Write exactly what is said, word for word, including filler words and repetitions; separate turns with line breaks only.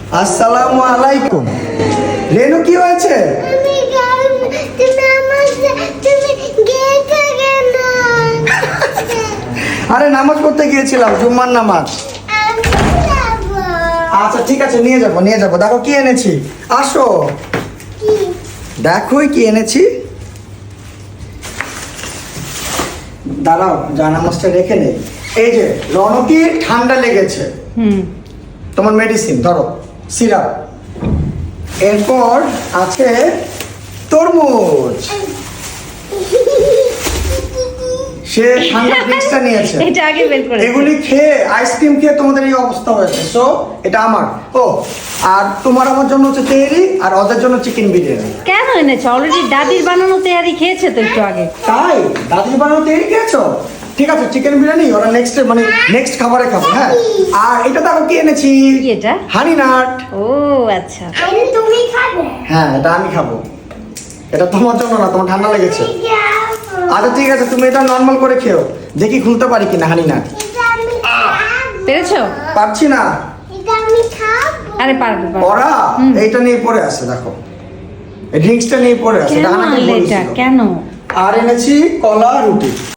আসসালামু আলাইকুম। রেনু কি হয়েছে?
আমি গান তুমি আমার তুমি গেতে গেল।
আরে নামাজ পড়তে গিয়েছিলাম, জুম্মার নামাজ।
আমি যাব।
আচ্ছা ঠিক আছে, নিয়ে যাবো নিয়ে যাবো। দেখো কি এনেছি, আসো
কি?
দেখোই কি এনেছি। দাঁড়াও, যা নামাজটা রেখে নেই। এই যে রনকির ঠান্ডা লেগেছে,
হুম
তোমার মেডিসিন ধরো, সিরাপ। এরপর আছে তরমুজ, সে ঠান্ডা ড্রিঙ্কসটা নিয়েছে।
এটা আগে বের করে
এগুলি খেয়ে আইসক্রিম খেয়ে তোমাদের এই অবস্থা হয়েছে। সো এটা আমার। ও আর তোমার আমার জন্য হচ্ছে তেহরি, আর ওদের জন্য চিকেন বিরিয়ানি।
কেন এনেছো? অলরেডি দাদির বানানো তেয়ারি খেয়েছে তো একটু আগে।
তাই দাদির বানানো তেহরি খেয়েছো? ঠিক আছে, চিকেন বিরিয়ানি ওরা নেক্সট মানে নেক্সট খাবারে খাবো। হ্যাঁ, আর এটা দেখো কি এনেছি।
কি এটা?
হানি নাট।
ও আচ্ছা,
আমি তুমি খাবে।
হ্যাঁ, এটা আমি খাবো। এটা তোমার জন্য না, তোমার ঠান্ডা লেগেছে। আচ্ছা ঠিক আছে, তুমি এটা নর্মাল করে খেও, দেখি খুলতে পারি কিনা হানি নাট।
এটা আমি খাবো।
পেরেছো?
পারছি না।
এটা আমি খাবো।
আরে পারবে পারবে।
ওরা এইটা নিয়ে পড়ে আছে, দেখো এই ড্রিঙ্কসটা নিয়ে পড়ে আছে।
কেন
এটা আমাকে
আনলে এটা?
বলেছিল।
কেন?
আর এনেছি কলা রুটি।